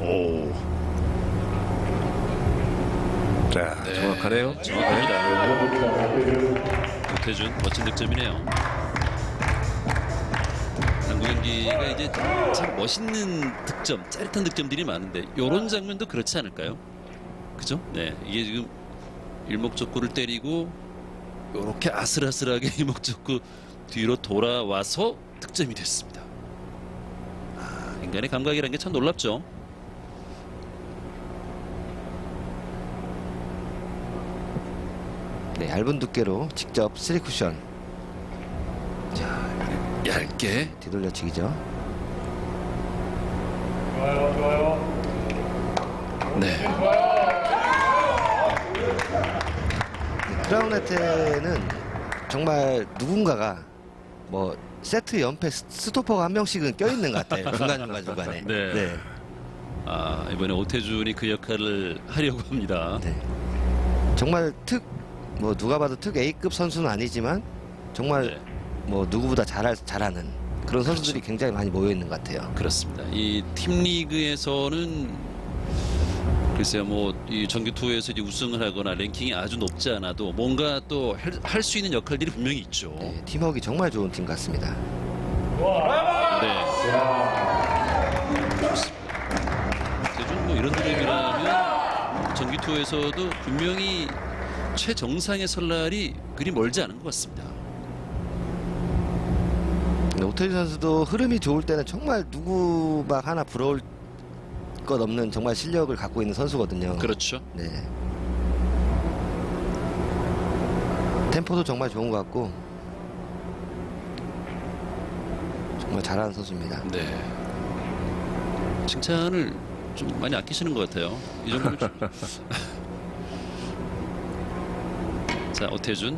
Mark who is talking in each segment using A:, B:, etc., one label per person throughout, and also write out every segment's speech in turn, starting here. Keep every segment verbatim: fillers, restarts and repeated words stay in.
A: 오.
B: 자,
A: 네.
B: 정확하네요.
A: 정확합니다. 오태준 멋진 득점이네요. 당구 경기가 이제 참 멋있는 득점, 짜릿한 득점들이 많은데 이런 장면도 그렇지 않을까요? 그죠? 네, 이게 지금 일목적구를 때리고 이렇게 아슬아슬하게 일목적구 뒤로 돌아와서 득점이 됐습니다. 아, 인간의 감각이라는 게 참 놀랍죠.
C: 네, 얇은 두께로 직접 쓰리 쿠션
A: 얇게
C: 뒤돌려치기죠.
D: 좋아요, 좋아요.
A: 네.
C: 네, 크라운 혜태는 정말 누군가가 뭐 세트 연패 스- 스토퍼가 한 명씩은 껴있는 것 같아요. 중간중간 중간에.
A: 네.
C: 네.
A: 아, 이번에 오태준이 그 역할을 하려고 합니다.
C: 네. 정말 특 뭐 누가 봐도 특 A급 선수는 아니지만 정말
A: 네.
C: 뭐 누구보다 잘할 잘하는 그런 선수들이
A: 그렇죠.
C: 굉장히 많이 모여 있는 것 같아요.
A: 그렇습니다. 이 팀 리그에서는 글쎄요, 뭐 이 정규 투어에서 이제 우승을 하거나 랭킹이 아주 높지 않아도 뭔가 또 할 수 있는 역할들이 분명히 있죠.
C: 네, 팀워크가 정말 좋은 팀 같습니다.
A: 네. 좋습니다. 대중 뭐 이런 드림이라면 정규 투어에서도 분명히 최정상에 설 날이 그리 멀지 않은 것 같습니다.
C: 네, 오태준 선수도 흐름이 좋을 때는 정말 누구 막 하나 부러울 것 없는 정말 실력을 갖고 있는 선수거든요.
A: 그렇죠.
C: 네. 템포도 정말 좋은 것 같고 정말 잘하는 선수입니다.
A: 네. 칭찬을 좀 많이 아끼시는 것 같아요. 이 정도면 좀... 자, 오태준.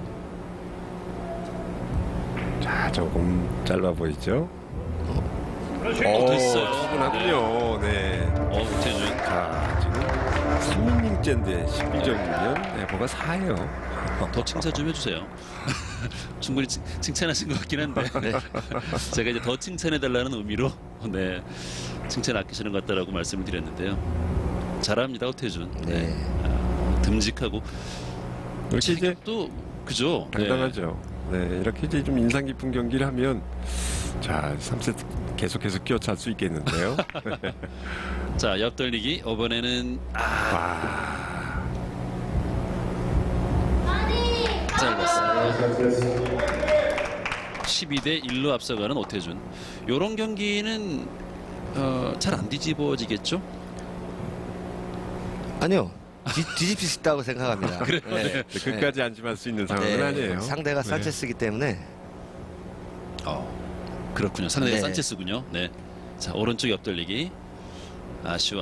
B: 자, 조금 짧아 보이죠?
A: 어, 됐어요.
B: 충분하군요. 네.
A: 어, 오태준.
B: 자, 지금 삼 이닝째인데 십이 점이면 네, 뭐가 사예요.
A: 더 칭찬 좀 해주세요. 충분히 칭, 칭찬하신 것 같긴 한데 네. 제가 이제 더 칭찬해달라는 의미로 네 칭찬 아끼시는 것 같다라고 말씀을 드렸는데요. 잘합니다, 오태준.
C: 네.
A: 아, 듬직하고
B: 이렇게 이제
A: 또 그죠?
B: 당당하죠. 네, 이렇게 이제 좀 인상 깊은 경기를 하면 자, 삼 세트 계속해서 끼어찰 수 있겠는데요.
A: 네. 자, 옆돌리기 이번에는 아,
B: 와,
A: 짧았습니다. 십이 대 일로 앞서가는 오태준. 이런 경기는 어, 잘 안 뒤집어지겠죠?
C: 아니요. 뒤, 뒤집힐 수 있다고 생각합니다.
A: 그래요?
C: 네.
B: 네, 끝까지 안심할 수 있는 상황은
C: 네,
B: 아니에요.
C: 상대가
B: 네.
C: 산체스기 때문에
A: 어, 그렇군요. 상대가
C: 네.
A: 산체스군요. 네. 자, 오른쪽 옆돌리기. 아쉬워.